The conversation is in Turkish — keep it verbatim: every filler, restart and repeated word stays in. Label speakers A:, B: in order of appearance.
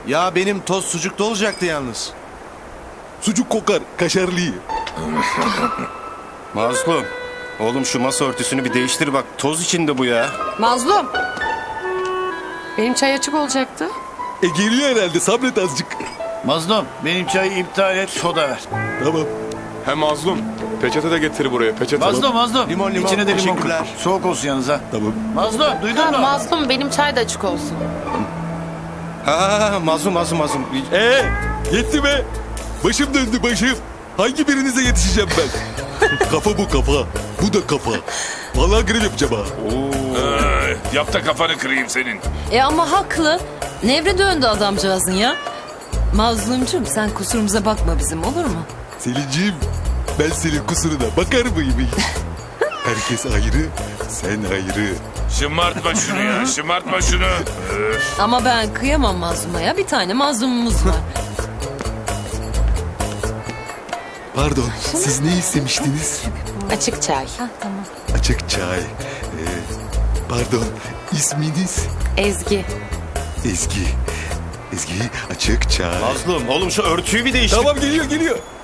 A: Ya benim toz sucukta olacaktı yalnız.
B: Sucuk kokar, kaşarlı.
C: Mazlum. Oğlum şu masa örtüsünü bir değiştir bak. Toz içinde bu ya.
D: Mazlum. Benim çay açık olacaktı.
B: E geliyor herhalde, sabret azıcık.
E: Mazlum benim çayı iptal et, soda ver.
B: Tamam.
F: He mazlum. Peçete de getir buraya. Peçete.
E: Mazlum Mazlum.
A: Limon, limon.
E: İçine de limon koy.
A: Teşekkürler.
E: Soğuk olsun yalnız ha.
B: Tamam.
E: Mazlum duydun
D: Ha,
E: mu?
D: Mazlum benim çay da açık olsun.
C: Ha, mazlum mazlum mazlum.
B: Ee, yetti be. Başım döndü başım. Hangi birinize yetişeceğim ben? Kafa bu kafa. Bu da kafa. Vallahi grev yapacağım ha.
G: Ee, yap da kafanı kırayım senin.
H: E ama haklı. Nevre döndü adamcağızın ya. Mazlumcum sen kusurumuza bakma bizim, olur mu?
B: Selinciğim, ben senin kusuruna bakar mıyım hiç? Herkes ayrı, sen ayrı.
G: Şımartma şunu ya, şımartma şunu. Öf.
H: Ama ben kıyamam mazluma ya. Bir tane mazlumumuz var.
B: Pardon, siz ne istemiştiniz?
D: Açık çay.
H: Ha, tamam.
B: Açık çay. Ee, pardon, isminiz?
D: Ezgi.
B: Ezgi. Ezgi, açık çay.
C: Mazlum oğlum şu örtüyü bir değiştir.
B: Tamam geliyor geliyor.